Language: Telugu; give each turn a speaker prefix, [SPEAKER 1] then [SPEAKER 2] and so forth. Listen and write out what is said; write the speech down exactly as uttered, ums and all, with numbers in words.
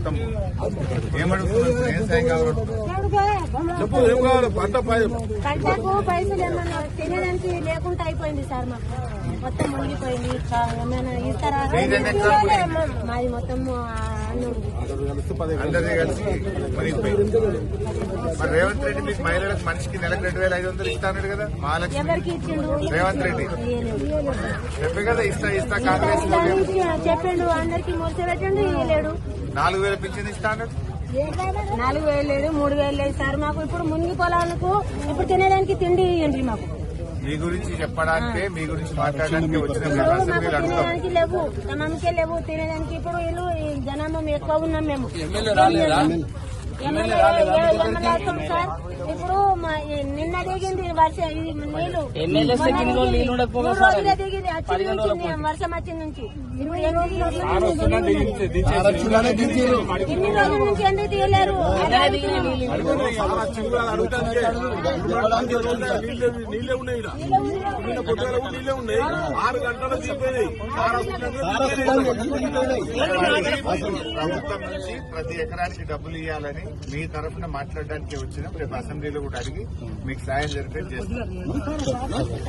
[SPEAKER 1] మొత్తం ఏమడుగుతున్నారు? ఏం సాయం కావాలి?
[SPEAKER 2] పంటకు పైసలు ఏమన్నా తినడానికి లేకుండా అయిపోయింది సార్. మాకు మొత్తం మునిగిపోయింది. ఏమైనా ఇస్తారా? మాది మొత్తం
[SPEAKER 1] అందరినీ కలిసి మునిగిపోయింది. మరి రేవంత్ రెడ్డి మీకు మహిళలకు మనిషికి నెలకు రెండు వేల ఐదు వందలు ఇస్తాడు కదా మహాలక్ష్మి.
[SPEAKER 2] ఎవరికి ఇచ్చిండు?
[SPEAKER 1] రేవంత్ రెడ్డి చెప్పే కదా ఇస్తా ఇస్తా కాంగ్రెస్
[SPEAKER 2] చెప్పిండు. అందరికి మూర్చి పెట్టండి. ఇవ్వలేడు.
[SPEAKER 1] నాలుగు వేల పింఛన్ ఇస్తా అన్నాడు.
[SPEAKER 2] నాలుగు వేలు లేదు, మూడు వేలు లేదు సార్. మాకు ఇప్పుడు మునిగి పొలాలకు ఇప్పుడు తినేదానికి తిండి ఇవ్వండి. మాకు
[SPEAKER 1] మీ గురించి చెప్పడానికే, మీ గురించి మాట్లాడడానికి వచ్చిన
[SPEAKER 2] తినేదానికి లేవు, తమకే లేవు తినేదానికి. ఇప్పుడు వీళ్ళు జనాభా ఎక్కువ ఉన్నాం మేము. ఎమ్మెల్యే వస్తాం సార్. ఇప్పుడు నిన్న దిగింది వర్షం, ఇది నీళ్లు మూడు రోజులే దిగింది. వచ్చింది వర్షం వచ్చిన నుంచి ఇప్పుడు ఎన్ని రోజుల నుంచి ఎందుకు తీయలేరు?
[SPEAKER 1] ప్రభుత్వం నుంచి ప్రతి ఎకరానికి డబ్బులు ఇవ్వాలని మీ తరఫున మాట్లాడడానికి వచ్చినాం. రేపు అసెంబ్లీలో కూడా అడిగి మీకు సాయం జరిపేది చేస్తాం.